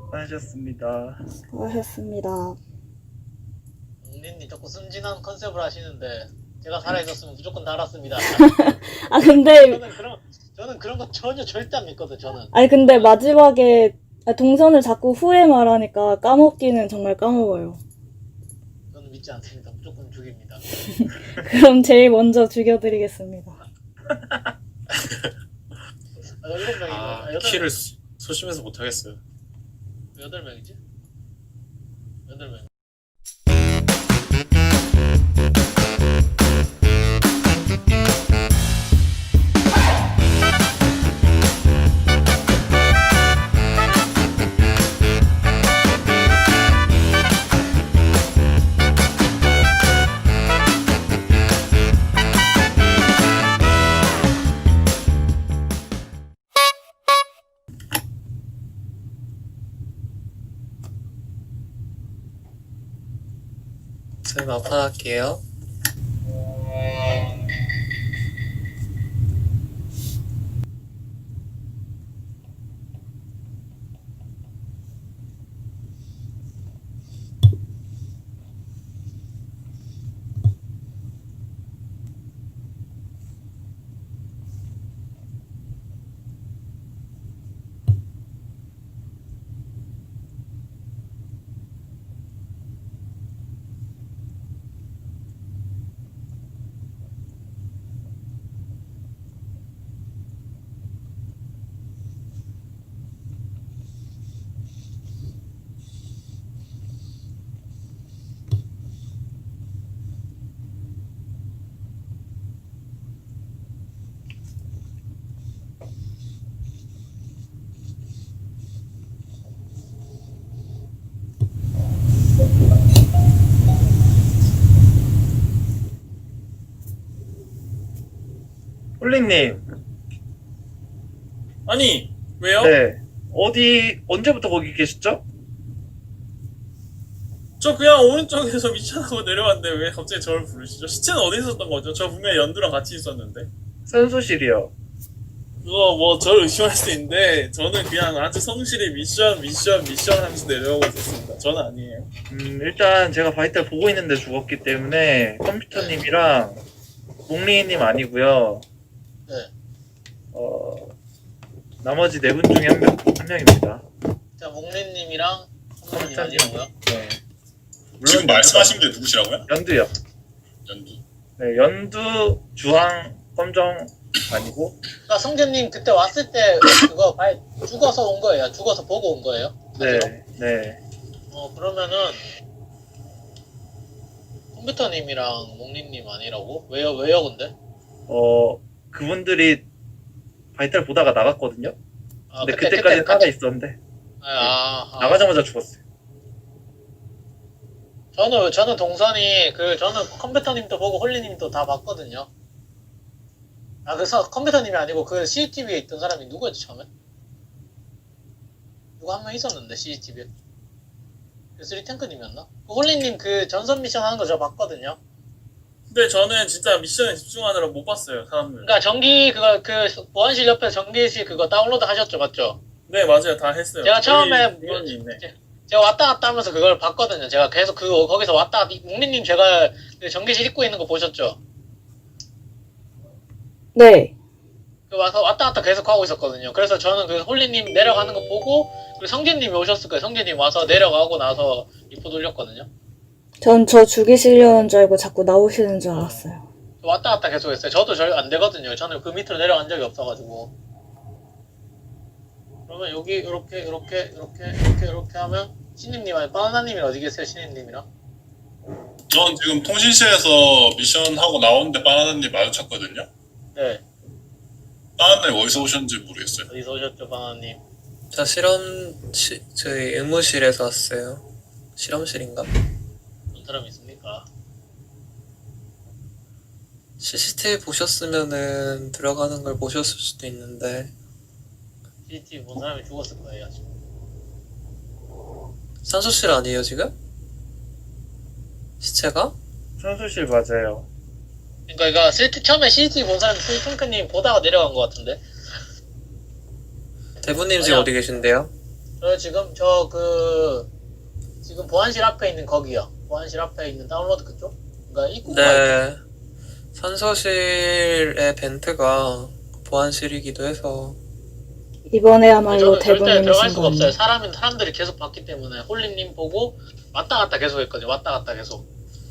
수고하셨습니다. 수고하셨습니다. 웅린님 자꾸 순진한 컨셉을 하시는데 제가 살아있었으면 무조건 달았습니다. 아, 근데, 저는 그런 거 전혀 절대 안 믿거든. 저는. 아니, 근데 마지막에 동선을 자꾸 후에 말하니까 까먹기는 정말 까먹어요. 저는 믿지 않습니다. 무조건 죽입니다. 그럼 제일 먼저 죽여드리겠습니다. 아, 7명이고. 아, 아, 8명. 키를 소심해서 못하겠어요. 8명이지? 8명. 저희 마판할게요. 홀리님, 아니, 왜요? 네. 언제부터 거기 계셨죠? 저 그냥 오른쪽에서 미션하고 내려왔는데 왜 갑자기 저를 부르시죠? 시체는 어디 있었던 거죠? 저 분명히 연두랑 같이 있었는데. 선수실이요. 그거 뭐 저를 의심할 수 있는데 저는 그냥 아주 성실히 미션 하면서 내려오고 있었습니다. 저는 아니에요. 일단 제가 바이탈 보고 있는데 죽었기 때문에 컴퓨터님이랑 몽리님 아니고요. 네. 나머지 네 분 중에 한 명입니다. 자, 몽린님이랑 성민님 컴퓨터님. 아니라고요? 네. 지금 말씀하신 게 누구시라고요? 연두요. 연두. 네, 연두, 주황, 검정 아니고. 그러니까 성재님 그때 왔을 때 그거 죽어서 온 거예요? 죽어서 보고 온 거예요? 네, 사실은? 네. 그러면은 컴퓨터님이랑 몽린님 아니라고? 왜요 근데? 그분들이 바이탈 보다가 나갔거든요. 아, 근데 그때까지 살아 있었는데 나가자마자 죽었어요. 저는 동선이 저는 컴퓨터님도 보고 홀리님도 다 봤거든요. 아, 그래서 컴퓨터님이 아니고 그 CCTV에 있던 사람이 누구였지 처음에? 누구 한 명 있었는데 CCTV에. 쓰리 탱크님이었나? 그 홀리님 그 전선 미션 하는 거 저 봤거든요. 근데 저는 진짜 미션에 집중하느라 못 봤어요, 사람들. 그러니까 전기 보안실 옆에 전기실 그거 다운로드 하셨죠, 맞죠? 네, 맞아요. 다 했어요. 제가 처음에 이건이 있네. 제가 왔다 갔다 하면서 그걸 봤거든요. 제가 계속 거기서 묵민님 제가 그 전기실 입고 있는 거 보셨죠? 네. 와서 왔다 갔다 계속 하고 있었거든요. 그래서 저는 그 홀리님 내려가는 거 보고, 그리고 성재님이 오셨을 거예요. 성재님 와서 내려가고 나서 리포 돌렸거든요. 전 저 죽이시려는 줄 알고 자꾸 나오시는 줄 알았어요. 왔다 갔다 계속 했어요. 저도 잘 안 되거든요. 저는 그 밑으로 내려간 적이 없어가지고. 그러면 여기 이렇게 하면 신님님 아니 바나나님이 어디 계세요? 신님이랑? 전 지금 통신실에서 미션 하고 나오는데 바나나님 마주쳤거든요. 네. 바나나님 어디서 오셨는지 모르겠어요. 어디서 오셨죠, 바나나님? 저 저희 의무실에서 왔어요. 실험실인가? 어떤 사람이 있습니까? CCTV 보셨으면은 들어가는 걸 보셨을 수도 있는데 CCTV 본 사람이 죽었을 거예요, 아직. 산소실 아니에요 지금? 시체가? 선수실 맞아요. 그러니까 처음에 CCTV 본 사람이 스리핑크님 보다가 내려간 것 같은데. 대부님 지금 아니야. 어디 계신데요? 저 지금 지금 보안실 앞에 있는 거기요. 보안실 앞에 있는 다운로드 그쪽? 그러니까 입구가 네. 산소실의 벤트가 보안실이기도 해서 이번에야말로 저는 절대 대부님이신 들어갈 수가 없어요. 거네요. 사람들이 계속 봤기 때문에 홀리님 보고 왔다 갔다 계속 했거든요. 왔다 갔다 계속.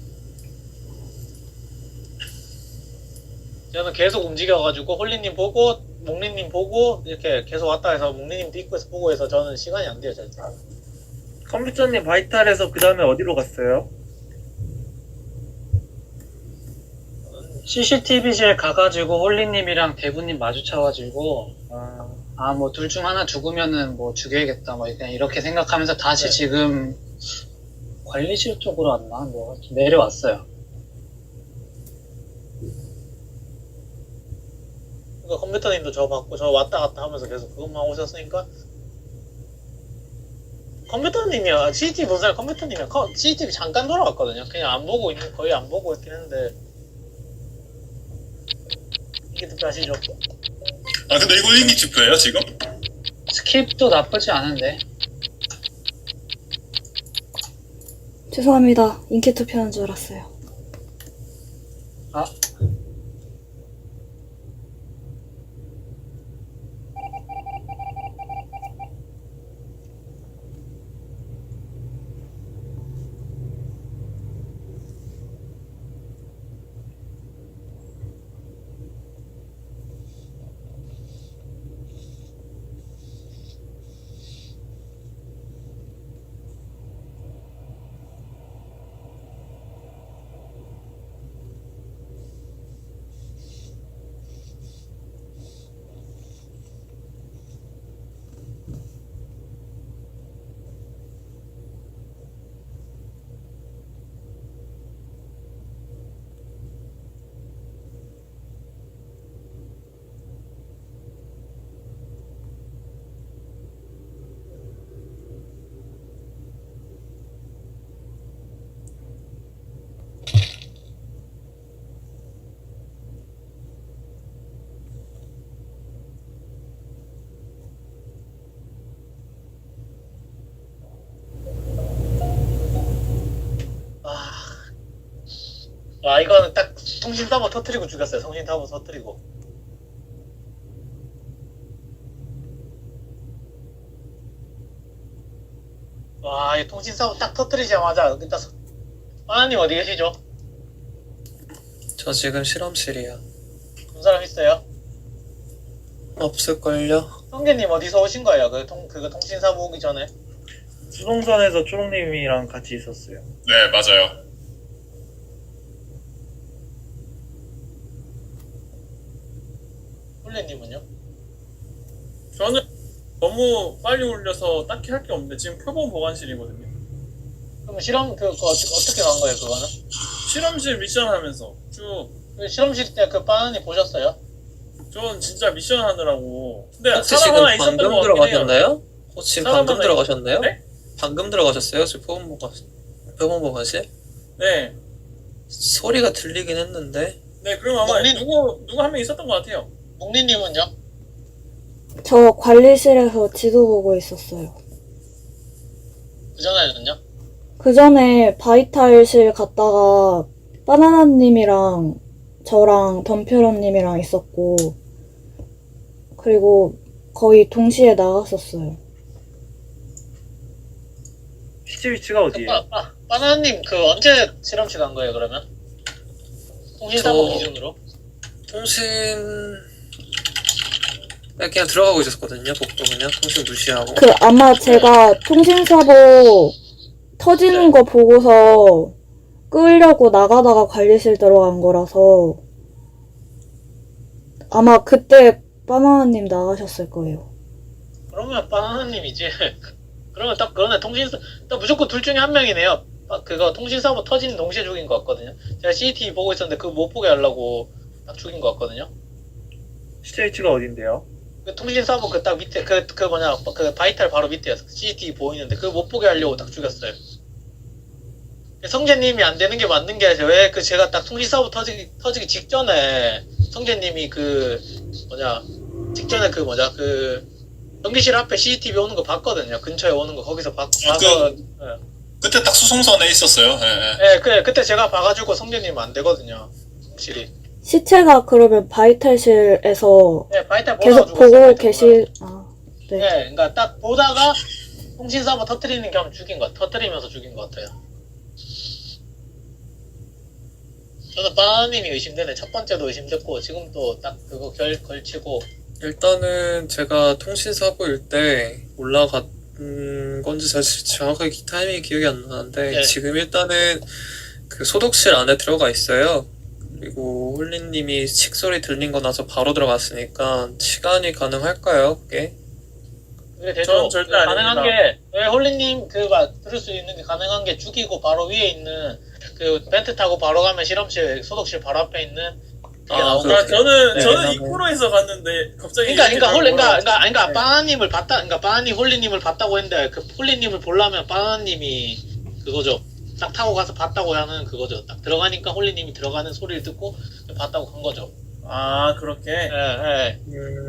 저는 계속 움직여가지고 홀리님 보고 몽리님 보고 이렇게 계속 왔다 해서 몽리님도 입구에서 보고 해서 저는 시간이 안 돼요. 절대. 컴퓨터님 바이탈에서 그 다음에 어디로 갔어요? CCTV실 가가지고 홀리님이랑 대부님 마주쳐가지고 아, 뭐 둘 중 하나 죽으면은 뭐 죽여야겠다 뭐 그냥 이렇게 생각하면서 다시 지금 관리실 쪽으로 왔나 뭐 내려왔어요. 그러니까 컴퓨터님도 저 봤고 저 왔다 갔다 하면서 계속 그것만 오셨으니까 컴퓨터님이야. CCTV 본 사람 컴퓨터님이야. CCTV 잠깐 돌아왔거든요. 그냥 안 보고 있는 거의 안 보고 있긴 했는데 이게 듣기 아시죠? 아 근데 이거 일기 투표예요 지금? 스킵도 나쁘지 않은데 죄송합니다. 인기 투표하는 줄 알았어요. 와 이거는 딱 통신 서버 터트리고 죽였어요. 통신 서버 터트리고. 와, 이 통신 서버 딱 터트리자마자 일단 하나님 어디 계시죠? 저 지금 실험실이야. 본 사람 있어요? 없을걸요? 성계님 어디서 오신 거예요? 그거 통신 사고 오기 전에? 수동선에서 초롱님이랑 같이 있었어요. 네 맞아요. 홀레님은요? 저는 너무 빨리 올려서 딱히 할 게 없는데 지금 표본 보관실이거든요. 그럼 실험 어떻게 간 거예요? 그거는? 실험실 미션 하면서 쭉. 그 실험실 때 그 바나니 보셨어요? 전 진짜 미션 하느라고. 근데 혹시 사람 지금 하나 있었던 방금 것 같긴 해요. 들어가셨나요? 혹시 지금 사람 방금 하나 들어가셨나요? 네? 방금 들어가셨어요? 지금 표본 보관실? 네. 소리가 들리긴 했는데 네, 그럼 아마 몽린- 누구 한 명 있었던 것 같아요. 몽리님은요? 저 관리실에서 지도 보고 있었어요. 그 전에는요? 그 전에 바이탈실 갔다가 바나나님이랑 저랑 덤표런님이랑 있었고, 그리고 거의 동시에 나갔었어요. 시체 위치가 어디예요? 바나나님 언제 실험실 간 거예요 그러면? 통신사고 저- 기준으로? 통신 그냥 들어가고 있었거든요. 복도 그냥 통신 무시하고. 아마 제가 통신사고 터지는 거 보고서 끄려고 나가다가 관리실 들어간 거라서 아마 그때 바나나님 나가셨을 거예요. 그러면 바나나님이지. 그러면 딱 그러네. 딱 무조건 둘 중에 한 명이네요. 그거 통신사고 터지는 동시에 죽인 것 같거든요. 제가 CCTV 보고 있었는데 그거 못 보게 하려고 딱 죽인 것 같거든요. 시체 위치가 어딘데요? 그 통신사고 그 딱 밑에 그 바이탈 바로 밑에였어. CCTV 보이는데 그거 못 보게 하려고 딱 죽였어요. 성재님이 안 되는 게 맞는 게 아니라 왜 제가 딱 통신사고 터지기 직전에 성재님이 직전에 전기실 앞에 CCTV 오는 거 봤거든요. 근처에 오는 거 거기서 봐서 그때 딱 수송선에 있었어요. 예, 예. 예, 그때 제가 봐가지고 성재님 안 되거든요. 확실히. 시체가 그러면 바이탈실에서 예, 바이탈 계속 보다가 보고 죽었어요, 계실, 아, 예, 네. 그러니까 딱 보다가 통신 서버 터트리는 겸 죽인 거, 터트리면서 죽인 것 같아요. 저는 바나님이 의심되네. 첫 번째도 의심됐고 지금 또 딱 그거 걸치고. 일단은 제가 통신사고일 때 올라간 건지 사실 정확하게 타이밍이 기억이 안 나는데 네. 지금 일단은 그 소독실 안에 들어가 있어요. 그리고 홀리님이 칙소리 들린 거 나서 바로 들어갔으니까 시간이 가능할까요? 그게? 그게 되죠. 저는 절대 가능한 아닙니다. 게, 왜 홀리님 들을 수 있는 게 가능한 게 죽이고 바로 위에 있는 그 벤트 타고 바로 가면 실험실, 소독실 바로 앞에 있는 그게 아, 나오고. 그렇게. 저는 네, 저는 네. 이코로에서 갔는데 갑자기 그러니까 네. 바나님을 봤다, 그러니까 바나님 홀리님을 봤다고 했는데 그 홀리님을 보려면 바나님이 그거죠. 딱 타고 가서 봤다고 하는 그거죠. 딱 들어가니까 홀리님이 들어가는 소리를 듣고 봤다고 간 거죠. 아 그렇게 예, 예.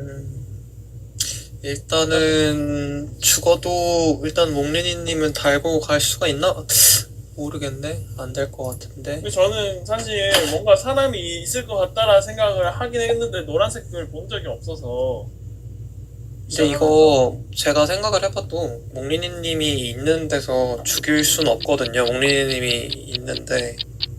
일단은 죽어도 일단 몽리니님은 달고 갈 수가 있나? 모르겠네. 안 될 것 같은데. 저는 사실 뭔가 사람이 있을 것 같다라 생각을 하긴 했는데 노란색을 본 적이 없어서. 근데 이거 제가 생각을 해봐도 몽리니님이 있는 데서 죽일 순 없거든요. 몽리니님이 있는데.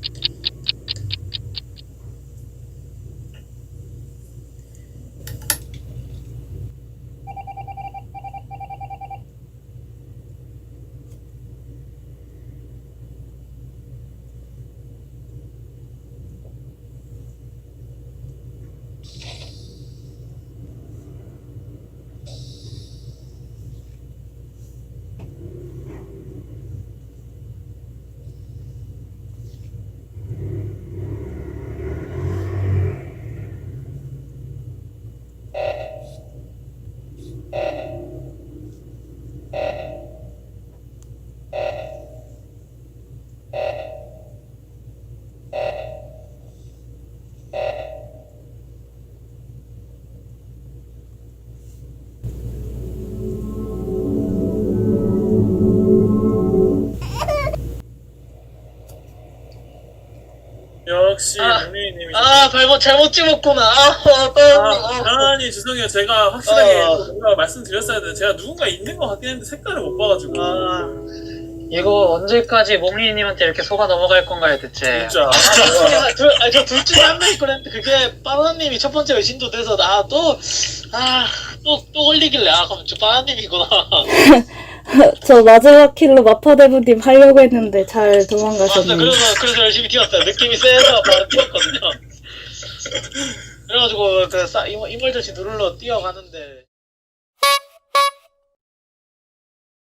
역시 아, 몽리님이. 잘못 찍었구나. 아니 죄송해요. 제가 확실하게 뭔가 말씀드렸어야 되는데 제가 누군가 있는 것 같긴 했는데 색깔을 못 봐가지고. 이거 언제까지 몽리님한테 이렇게 속아 넘어갈 건가요, 대체? 진짜. 저 둘 중에 한 명이 그랬는데 그게 바나님이 첫 번째 의심도 돼서 또 걸리길래 그럼 저 바나님이구나. 저 마지막 킬로 마파대부님 하려고 했는데 잘 맞아, 도망가셨네요. 그래서 열심히 뛰었어요. 느낌이 세서 바로 뛰었거든요. 그래가지고 이멀전시 누르러 뛰어가는데